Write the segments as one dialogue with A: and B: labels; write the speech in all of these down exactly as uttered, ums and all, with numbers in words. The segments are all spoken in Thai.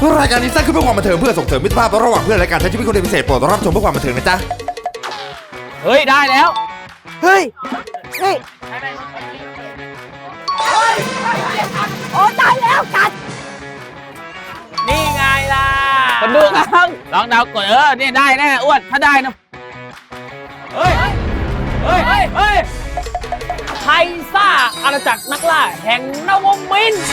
A: รายการนี้สร้างขึ้นเพื่อความบันเทิงเพื่อส่งเสริมมิตรภาพระหว่างเพื่อนและการใช้ชีวิตคนเดียวพิเศษโปรดรับชมเพื่อความบันเทิงนะจ๊ะ
B: เฮ้ยได้แล้ว
C: เฮ้ยนี่โอ้ตายแล้วกัด
B: นี่ไงล่ะคนดูครับลองเดากดเออเนี่ยได้แน่อ้วนถ้าได้นะเฮ้ยเฮ้ยเฮ้ยไทยซ่าอาณาจักรนักล่าแห่งนวมินทร์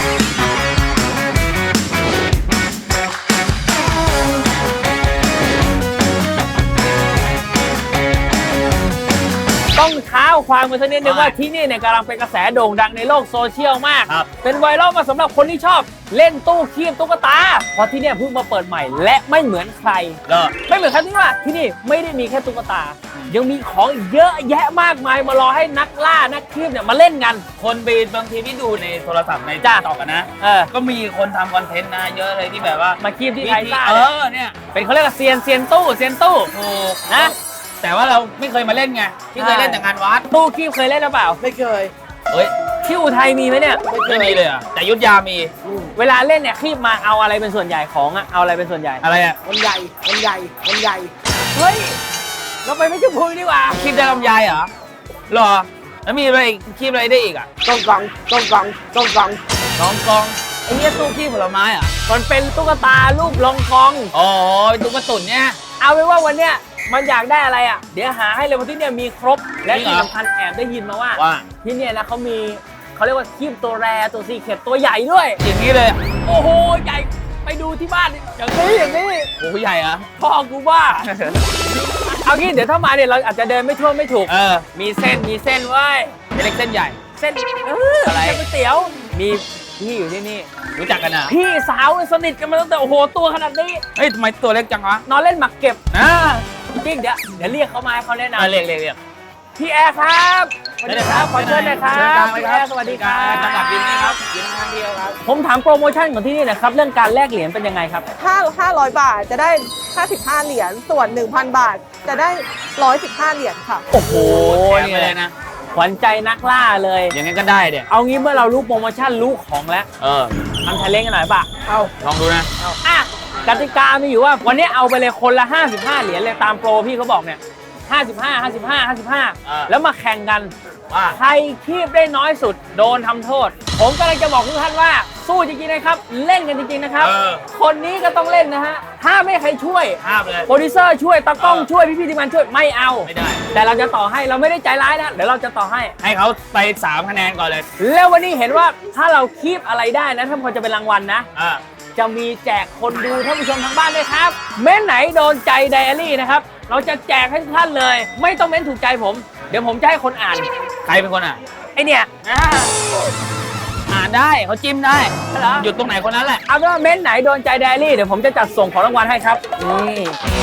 B: ต้องเท้าความกันสักนิดนึงว่าที่นี่เนี่ยกำลังเป็นกระแสโด่งดังในโลกโซเชียลมากเป็นไวรัลมาสำหรับคนที่ชอบเล่นตู้คีบตุ๊กตาเพราะที่นี่เพิ่งมาเปิดใหม่และไม่เหมือนใครไม่เหมือนใครที่ว่าที่นี่ไม่ได้มีแค่ตุ๊กตายังมีของเยอะแยะมากมายมารอให้นักล่านักคีบเนี่ยมาเล่นกันคนไปบางทีที่ดูในโทรศัพท์ในจ้าต่อกันนะเออก็มีคนทำคอนเทนต์นะเยอะเลยที่แบบว่ามาคีบที่ไทยซ่าเออเนี่ยเป็นเขาเรียกว่าเซียนเซียนตู้เซียนตู้ถูกนะแต่ว่าเราไม่เคยมาเล่นไงที่เคยเล่นแต่งานวัดตู้คีบเคยเล่นหรือเปล่า
C: ไม่เคย
B: เฮ้ยที่อุทัยมีไหมเนี่ยไม่มีเลยอ่ะแต่ยุทธยามีเวลาเล่นเนี่ยคีบมาเอาอะไรเป็นส่วนใหญ่ของอ่ะเอาอะไรเป็นส่วนใหญ่อะไรอ่ะ
C: ลำไยลำไยลำไย
B: เฮ้ยเราไปไม่จุพุยดีกว่าคีบได้ลำไยเหรอหรอแล้วมีอะไรคีบอะไรได้อีกอ่ะ
C: กองกองกองกองกองกอง
B: ลองกองไอ้เนี่ยตู้คีบผลไม้อ่ะ
C: มันเป็นตุ๊กตารูปลองกอง
B: อ๋อเป็นตุ๊กตุ่นเนี่ย
C: เอาไว้ว่าวันเนี้ยมันอยากได้อะไรอ่ะเดี๋ยวหาให้เลยว่าที่เนี่ยมีครบและที่สำคัญแอบได้ยินมาว่าที่เนี่ยนะเขามีเขาเรียกว่าคีบตัวแรตัวซีเข็ดตัวใหญ่ด้วย
B: อย่างนี้เลย
C: โอ้โหใหญ่ไปดูที่บ้านอย่างนี้อย่างนี้
B: โอ้โหใหญ่อะ
C: พ่อกูบ้าเอางี้เดี๋ยวถ้ามาเนี่ยเราอาจจะเดินไม่ทั่วไม่ถูก
B: เออ
C: มีเส้นมีเส้นไว้
B: เล็กเส้นใหญ่
C: เส้นเอออะไรก๋วยเตี๋ยวมีพี่อยู่ที่นี่
B: รู้จักกันอ่ะ
C: พี่สาวสนิทกันมาตั้งแต่โอ้โหตัวขนาดนี้
B: เฮ้ยทำไมตัวเล็กจังวะ
C: นอนเล่นหมากเก็บ
B: อ่า
C: จริงเดี๋ยวเดี๋ยวเรียกเขามาให้เขาแนะนำ
B: เรียกเรียกเรียก
C: พี่แอร์ครับสวัสดีครับขอเชิญหน่อยครับพี่แอร์สวัสดีครับ
B: จังหวัดบินนะครับบินทางเดียวครับ
C: ผมถามโปรโมชั่นของที่นี่นะครับเรื่องการแลกเหรียญเป็นยังไงครับ
D: ถ้าห้าร้อยบาทจะได้ห้าสิบห้าเหรียญส่วน หนึ่งพัน บาทจะได้หนึ่งร้อยสิบห้าเหรียญค่ะ
C: โอ้โหนี่เลยนะขวัญใจนักล่าเลย
B: อย่างงั้นก็ได้เดี๋ยว
C: เอางี้เมื่อเรารู้โปรโมชั่นรู้ของแล้ว
B: เออ
C: ทำไทยเล่นกันหน่อยป่ะ
B: เอาลองดูนะ
C: เอาอ่ะกติกามีอยู่ว่าวันนี้เอาไปเลยคนละห้าสิบห้าเหรียญเลยตามโปรพี่เขาบอกเนี่ยห้าสิบห้า ห้าสิบห้า ห้าสิบห้าแล้วมาแข่งกันว่าใครคีบได้น้อยสุดโดนทำโทษผมกำลังจะบอกทุกท่านว่าสู้จริงๆนะครับเล่นกันจริงๆนะครับคนนี้ก็ต้องเล่นนะฮะห้ามไม่ใครช่วย
B: ห้ามเลย
C: โปรดิวเซอร์ช่วยตากล้องช่วยพี่ๆทีมงานช่วยไม่เอาไม่ได้แต่เราจะต่อให้เราไม่ได้ใจร้ายนะเดี๋ยวเราจะต่อให้
B: ให้เขาไปสามคะแนนก่อนเลย
C: แล้ววันนี้เห็นว่าถ้าเราคีบอะไรได้นะท่านผู้ชมจะเป็นรางวัลนะจะมีแจกคนดูท่านผู้ชมทางบ้านด้วยครับเม้นไหนโดนใจไดอารี่นะครับเราจะแจกให้ทุกท่านเลยไม่ต้องเม้นถูกใจผมเดี๋ยวผมจะให้คนอ่าน
B: ใครเป็นคนอ่าน
C: ไอเนี่ย
B: อ่านได้เขาจิ้มได้หยุดตรงไหนคนนั้นแหละ
C: เอาเป็นว่าเม้นไหนโดนใจไดอารี่เดี๋ยวผมจะจัดส่งของรางวัลให้ครับนี่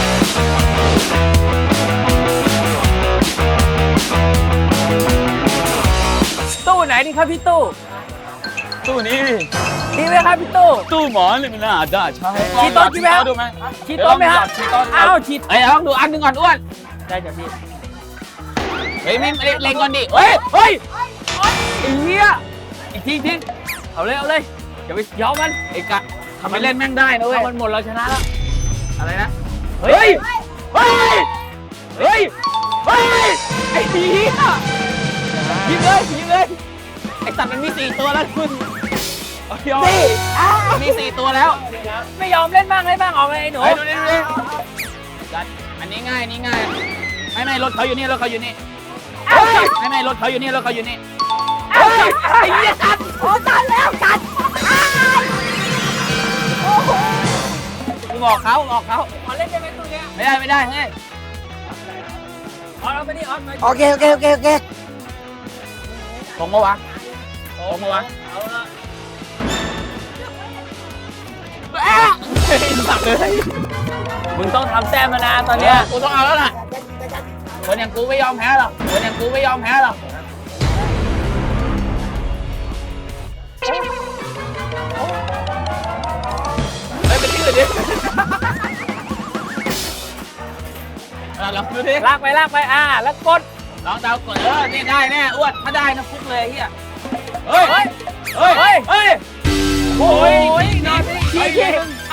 C: ตู้ไหนดีครับพี่ตู้
B: ตู้นี้
C: ดีไหมครับพี่ตู้
B: ตู้หมอนี่มันน่าจะใช่
C: ชีโต้ชีแม่
B: ดูไหม
C: ชีโต้ไหมครับอ้าวชี
B: ไอ้ลองดูอันหนึ่งก่อนอ้วน
C: ได้จ้ะพี่
B: เฮ้ยไม่เล็งก่อนดิเฮ้ยเฮ้ย
C: ไอ้เหี้ยอีกทีทีเอาเลยเอาเลยอย่าไปยอมมัน
B: ไอ้กะทำไมเล่นแม่งได้นะเว้ย
C: มันหมดเราชนะแล้ว
B: อะไรนะเฮ้ยเฮ้ยเฮ้ยเฮ้ยไอ้เหี้ยยิงเลยยิงเลยไอ้สัตว์มันมีสี่ตัวแล้วคุณยอมมีสี่ตัวแล้ว
C: ไม่ยอมเล่นบ้างเล่นบ้างออกเลยหนู
B: ดูนี่ดูนี่อันนี้ง่ายนี่ง่ายไม่ไม่รถเขาอยู่นี่รถเขาอยู่นี่ไม่ไม่รถเขาอยู่นี่รถเขาอยู่นี่
C: ไอ้เหี้ยกัดโอ้ตัดแล้วกัด
B: โอ้โหมึงออกเขาออกเขา
C: ขอเล่นได้ไหมตัวเนี้ย
B: ไม่ได้ไม่ได้เฮ้ย
C: ออนเอาไปดิออน
D: โอเคโอเคโอเคโอเค
B: ตรงมาวะตรงมาวะ
C: เอาละ
B: สับเลย
C: มึงต้องทำแต้มมานะตอนเนี้ย
B: กูต้องเอาแล้วล่ะคนอย่างกูไม่ยอมแพ้หรอกคนอย่างกูไม่ยอมแพ้หรอกเฮ้ยไปที่อื่นดิลองดูดิ
C: ลากไปลากไปอ่าแล้วกด
B: ลองเดากดเออนี่ได้แน่อ้วนถ้าได้นะฟุกเลยเฮียเฮ้ยเฮ้ยเฮ้ยเฮ้ยโอ้ย
C: นอนทีที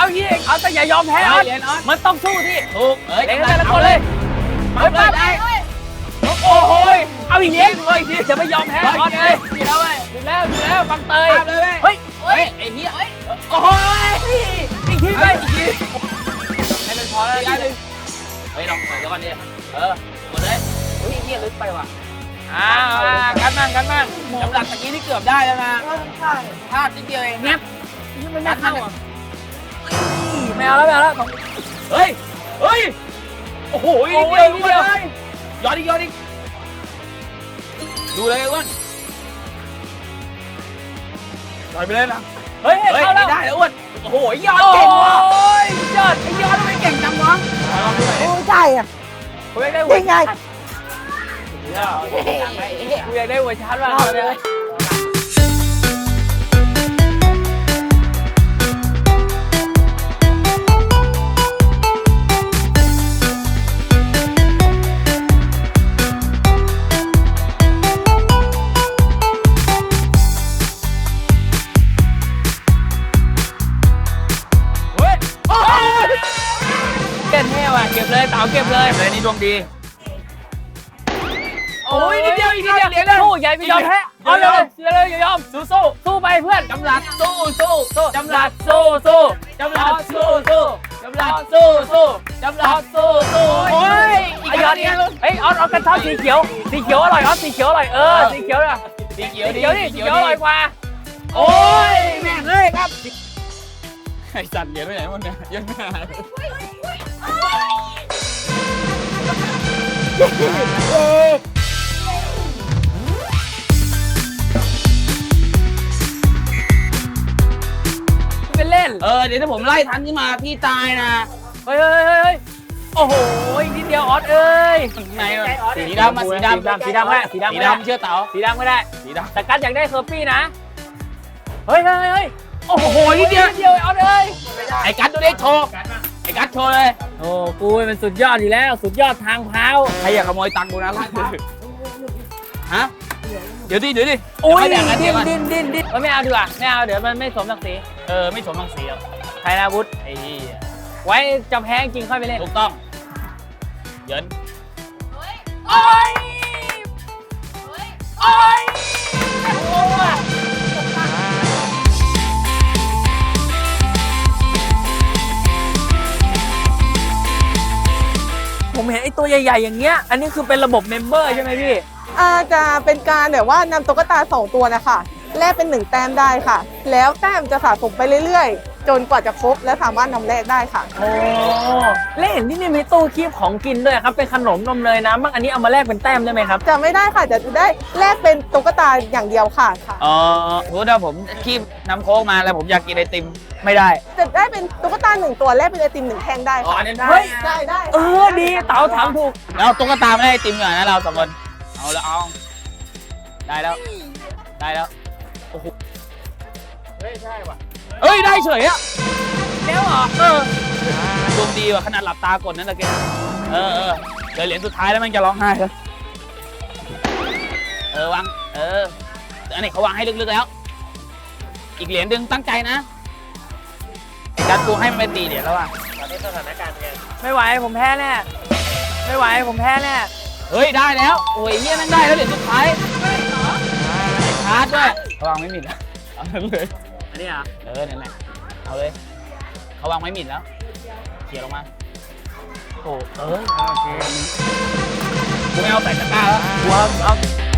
C: แล้วอย่ายอมแพ้ออสมันต้องสู้ที่
B: ถูกเอ้ย
C: เด็กแต่ละคนเลย
B: มาเลยได้
C: โอ้โหเอาอีกเลี้ยงเลยทีจะไม่ยอมแพ้ออสเลย
B: ดีแล้วเว้ย
C: อยู่แล้วอยู่แล้วบังเตย
B: ตามเลยเว้ย
C: เฮ้ย
B: เฮ้ยไอ้เหี้ย
C: โอ้โหอีกทีไปอีกทีให้มันพอแล้ว
B: อีกอันหนึ่งเฮ้ยลองเปิดแล้วก่อนดิเออหมดเลยเฮ้ยเหี้ยลึกไปว่ะ
C: อ่ากันมั่งกันมั่ง
B: สำหรับตะกี้ที่เกือบได้แล้วนะ
D: ใช่
B: พลาดนิดเดียวเอง
C: งับยังไม่น่าเข้าอ่ะไม่เอาแล้วไม่เอาแล้ว
B: เฮ้ยเฮ้ยโอ้โหนิดเดียวนิดเดียวย้อนอีกย้อนอีกดูเลยอ้วนต่อยไปเลยนะ
C: เฮ้ย
B: เฮ้ย
C: เข้าแล้ว
B: ได้แล้วอ้วนโอ้โหย้อน
C: โอ้
B: เก่งว่ะ
C: ยยอด
B: ไอ้ย้อนทำไมเก่งจังวะ
D: โอ้ใช่อ่ะ
C: กูอยากได้หัว
D: ยังไง
C: กูอยากได้หัวชาร์จว่ะเลย เก็บเท่ว่ะเก็บเลยเต๋าเก็บเลย
B: เลยนี่ดวงดี
C: โอ้ยนิดเดียวอีกนิดเดียวสู้ใหญ่ไม่ยอมแพ้เอาเลยเลยเลยอย่ายอมสู้สู้สู้ไปเพื่อน
B: จำหลัดสู้สู้สู้
C: จำหลัดสู้สู้
B: จำหลัดสู้สู้จำหลัดสู้สู้จำหลัดสู้สู้โอ้ย
C: ไอ้ยอดเนี่ยเฮ้ยออสออสกันชอบสีเขียวสีเขียวอร่อยออสสีเขียวอร่อยเออสีเขียวอ่ะ
B: สีเขี
C: สี
B: ยวดี
C: เขียวดิสีเขียวอร่อยกว่า
B: โอ้ยแม่งเลยครับไอ้สัตว์เหรียญไปไหนหมดเนี่ยยังไม่หาย
C: เป็นเล่น
B: เออเดี๋ยวถ้าผมไล่ทันขึ้นมาพี่ตายนะ
C: เฮ้ยเฮ้ยเฮ้ยโอ้โหอีกนิดเดียวออสเอ้ย
B: ไหนสีดำมาสีดำ
C: สีดำแม่สีดำ
B: สี
C: ไม่ได้
B: ดำเชื่อเต๋า
C: สีดำไม่ได้
B: สีด
C: แต่กัดอยากได้เซอร์ปี้นะ เฮ้ยเฮ้ยเฮ้ยโอ้โห
B: นิดเดียว
C: นิดเดียวออสเอ้ย
B: ำไอ้กัดดูได้โชว์ไอ้กัดโชว์เลย
C: โอ้กูมันสุดยอดอยู่แล้ว สุดยอดทางเท้า
B: ใครอยากขโมยตังค์กูนะไล่ฮะเดี๋ยวดิเดี๋ยวดิ
C: โอ้ย
B: เดี๋
C: ดิ้
B: วน ไม่แบ่งกันเดี๋ยวก่อน
C: ดิ้นดิ้นดิ้นเอ้ยไม่เอาดีกว่าไม่เอาเดี๋ยวมันไม่สมศักดิ์ศรี
B: เออไม่สมรังสีหรอก
C: ไทยนาวุธ
B: ไอ้เหี้ย
C: ไว้จะแพ้จริงค่อยไปเล่น
B: ถูกต้องเหยิน
C: โอ้ยโอ้ยโอ้ยผมเห็นไอ้ตัวใหญ่ๆอย่างเงี้ย อันนี้คือเป็นระบบเมมเบอร์ใช่ไหมพี่
D: อาจะเป็นการแบบว่านำตุ๊กตาสองตัวนะคะแลกเป็นหนึ่งแต้มได้ค่ะ แล้วแต้มจะสะสมไปเรื่อยๆ จนกว่าจะครบและสามารถนำแลกได้ค่ะ
C: โอ้และเห็นที่นี่มีตู้คีบของกินด้วยครับ เป็นขนมนมเนยน้ำบ้างอันนี้เอามาแลกเป็นแต้มได้ไหมครับ
D: จะไม่ได้ค่ะจะได้แลกเป็นตุ๊กตาอย่างเดียวค่ะค่ะ
B: อ๋อสมมติว่าผมคีบน้ำโค้กมาแล้วผมอยากกินไอติมไม่ได้
D: จะได้เป็นตุ๊กตาหนึ่งตัวแลกเป็นไอติมหนึ่งแท่งได้
B: อ๋อ
D: ค่ะ
B: อันนี้ได้
C: เฮ้ย
D: ได้ได้
C: เออดีเต๋าถามถูก
B: แล้วตุ๊กตาไม่ได้ไอติมก่อนนะเราสองคนเอาแล้วเอาได้แล้วได้แล้วโอ้โหเฮ้ยใช่ว่ะเฮ้ยได้เฉยอะ
C: แล้วเหรอ
B: เออดวงดีว่ะขนาดหลับตากดนั่นตะเกียเออเออเดี๋ยวเหรียญสุดท้ายแล้วมันจะร้องไห้แล้วเออวางเอออันนี้เขาวางให้ลึกๆแล้ว อีกเหรียญหนึ่งตั้งใจนะไอ้การกูให้มันไปตีเหรียญแล้วอ่ะ
C: ไม่ไหวผมแพ้แน่ไม่ไหวผมแพ้แน่
B: เฮ้ยได้แล้วโอ้ยเฮียนั่งได้แล้วเหรียญสุดท้ายไอ้ชาร์จด้วยเขาวางไม่มิดแล้วเอาเลย
C: อันนี้อ่ะ
B: เออนั่นแหละเอาเลยเขาวางไม่มิดแล้วเขี่ยลงมาโอ้เออโอเคกูไม่เอาใส่ตะกร้าแล้วกูเอาเอา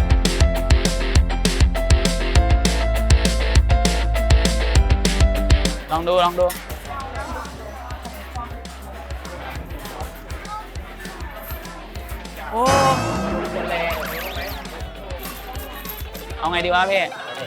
B: ลองดูลองดูโอ้เอาไงดีวะพี่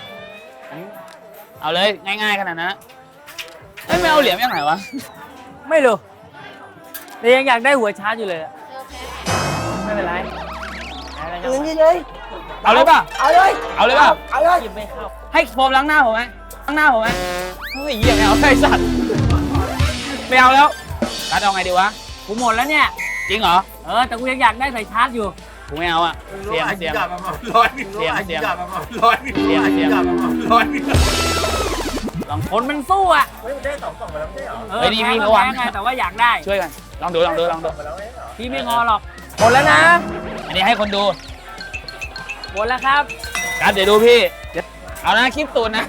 B: เอาเลยง่ายๆขนาดนั้นนะเอ้ยไม่เอาเหรียญยังไงวะ
C: ไม่รู้แต่ยังอยากได้หัวชาร์จอยู่เลยอะไม่เป็นไรอะไร
D: เงิ
C: กัน
D: นเลย
B: เอาเลยป่ะ
D: เอาเลย
B: เอาเลยป่ะ
D: เอาเลย
C: หยิบไม่เข้า
B: ให้โฟมล้างหน้าผมไหมล้างหน้าผมไหมเฮ้ยเหี้ยไม่เอาไอ้สัตว์ไม่เอาแล้วการเอาไงดีวะ
C: กูหมดแล้วเนี่ย
B: จริงเหรอ
C: เออ แต่กูยังอยากได้ใส่ชาร์จอยู่
B: กูไม่เอาอ่ะเสียมเสียม
E: ร้อย
B: เสียมเสียม
E: ร้อยร้อย
B: ลอง
C: องคนมันสู้อ่ะไม่ได้สองกล่องมาแล้วไม่ใช่หรอเออพี่ก็แพ้ไงแต่ว่าอยากได้ช่วยกันลองดูลองดูลองดูพี่ไม่งอหรอกหมดแล้วนะอันนี้ให้คนดูหมดแล้วครับครับเดี๋ยวดูพี่เอานะคลิปตูนนะ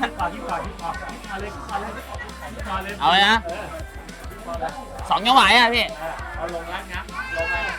C: เอาเลยนะสองยังไหวอ่ะพี่เอาลงแล้วนะลงแล้ว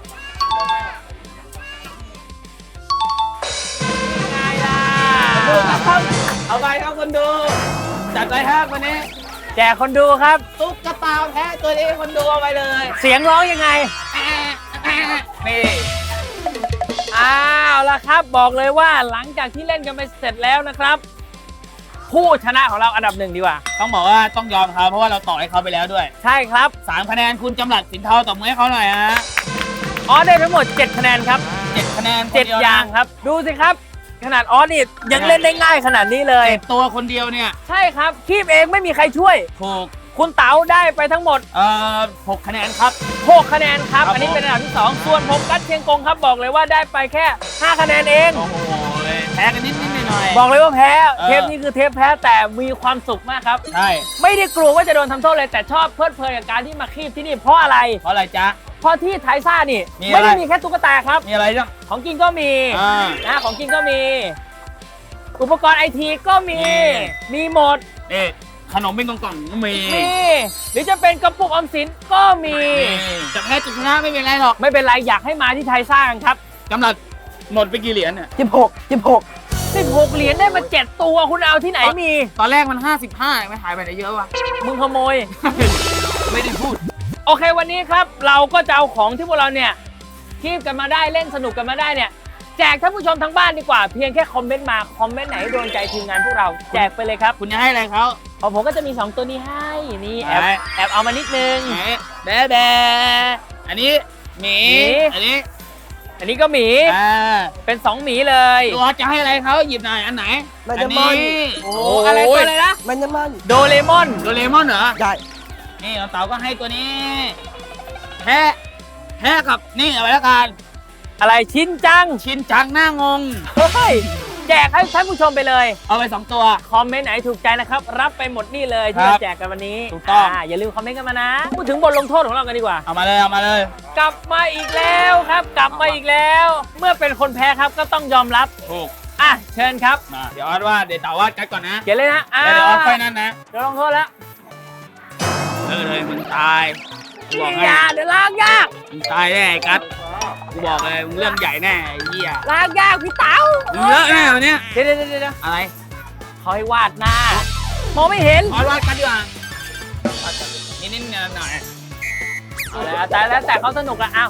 C: ไงล่ะดูครับเอาไปครับคนดูจัดไปครับวันนี้แจกคนดูครับตุ๊กตาแพ้ตัวนี้คนดูเอาไปเลยเสียงร้องยังไงนี่อ้าวแล้วครับบอกเลยว่าหลังจากที่เล่นกันไปเสร็จแล้วนะครับผู้ชนะของเราอันดับหนึ่งดีกว่าต้องบอกว่าต้องยอมเขาเพราะว่าเราต่อให้เขาไปแล้วด้วยใช่ครับสามคะแนนคุณจำหลัดสินเทาตบมือให้เขาหน่อยฮะออสได้ทั้งหมดเจ็ดคะแนนครับเจ็ดคะแนนเจ็ดอย่างครับดูสิครับขนาดออสนี่ยังเล่นได้ง่ายขนาดนี้เลยเจ็ดตัวคนเดียวเนี่ยใช่ครับคีบเองไม่มีใครช่วยถูกคุณเต๋าได้ไปทั้งหมดเอ่อหกคะแนนครับหกคะแนนครับอันนี้เป็นอันดับที่สองส่วนผมกัดเชียงกงครับบอกเลยว่าได้ไปแค่ห้าคะแนนเองโอ้โหแพ้กันนิดนิดหน่อยบอกเลยว่าแพ้เทปนี้คือเทปแพ้แต่มีความสุขมากครับใช่ไม่ได้กลัวว่าจะโดนทำโทษเลยแต่ชอบเพลิดเพลินกับการที่มาคีบที่นี่เพราะอะไรเพราะอะไรจ๊ะเพราะที่ไทซ่านี่ไม่ได้มีแค่ตุ๊กตาครับมีอะไรบ้างของกินก็มีนะของกินก็มีอุปกรณ์ไอทีก็มีมีหมดนี่ขนมเป็นกล่องๆก็มีมีหรือจะเป็นกระปุกออมสินก็มีจะแพ้จุดชนะไม่เป็นไรหรอกไม่เป็นไรอยากให้มาที่ไทซ่ากันครับกำหนดหมดไปกี่เหรียญเนี่ยสิบหกสิบหกสิบหกเหรียญได้มาเจ็ดตัวคุณเอาที่ไหนมีตอนแรกมันห้าสิบห้าไม่หายไปไหนเยอะวะมึงขโมย ไม่ได้พูดโอเควันนี้ครับเราก็จะเอาของที่พวกเราเนี่ยคีบกันมาได้เล่นสนุกกันมาได้เนี่ยแจกท่านผู้ชมทั้งบ้านดีกว่าเพียงแค่คอมเมนต์มาคอมเมนต์ไหนโดนใจทีมงานพวกเราแจกไปเลยครับคุณจะให้อะไรเขาของผมก็จะมีสองตัวนี้ให้นี่แอบแอบเอามานิดนึงแบ๊ะแบ๊ะอันนี้หมีอันนี้อันนี้ก็หมีเป็นสองหมีเลยตัวจะให้อะไรเขาหยิบหน่อยอันไหนอันนี้โอ้อะไรตัวอะไรนะมันจะมันโดเรมอนโดเรมอนเหรอใช่นี่เต๋าก็ให้ตัวนี้แพะแพะกับนี่เอาไว้แล้วกันอะไรชินจังชินจังหน้างงเฮ้ยแจกให้ท่านผู้ชมไปเลยเอาไปสองตัวคอมเมนต์ไหนถูกใจนะครับรับไปหมดนี่เลยที่เราแจกกันวันนี้ถูกต้องอย่าลืมคอมเมนต์กันมานะพูดถึงบทลงโทษของเรากันดีกว่าเอามาเลยเอามาเลยกลับมาอีกแล้วครับกลับมาอีกแล้วเมื่อเป็นคนแพ้ครับก็ต้องยอมรับถูกอ่ะเชิญครับมาเดี๋ยวออดว่าเดี๋ยวเต๋าว่ากัดก่อนนะเขียนเลยนะเดี๋ยวออดค่อยนั่นนะเดี๋ยวลงโทษแล้วเออเลยมึงตายกูบอกให้เดี๋ยวล้างยากมึงตายแน่กัดกูบอกเลยมึงเรื่องใหญ่แน่ไอ้เหี้ยล้างยากพี่เต๋ามึงเยอะแน่วันนี้เดี๋ยวเดี๋ยวเดี๋ยวอะไรเขาให้วาดหน้ามองไม่เห็นวาดกันดีกว่านิดนิดหน่อยหน่อยแล้วแต่แล้วแต่เขาสนุกละอ้าว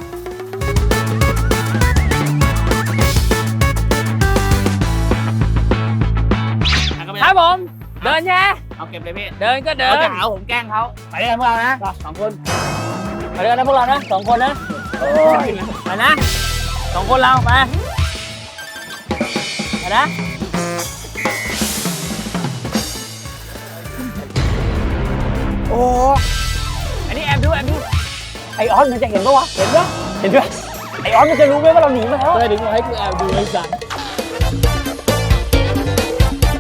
C: ครับผมเดินแย่เอาเก็บเลยพี่เดินก็เดินเขาจะหาผมแกล้งเขาไปด้วยกันพวกเรานะสองคนไปด้วยกันนะพวกเรานะสองคนนะไปนะสองคนเราไปไปนะโอ้อันนี้แอบดูแอบดูไอออนมันจะเห็นปะวะเห็นปะเห็นปะไอออนมันจะรู้ไหมว่าเราหนีมาแล้วเลยถึงให้กูแอบดูไอ้สัส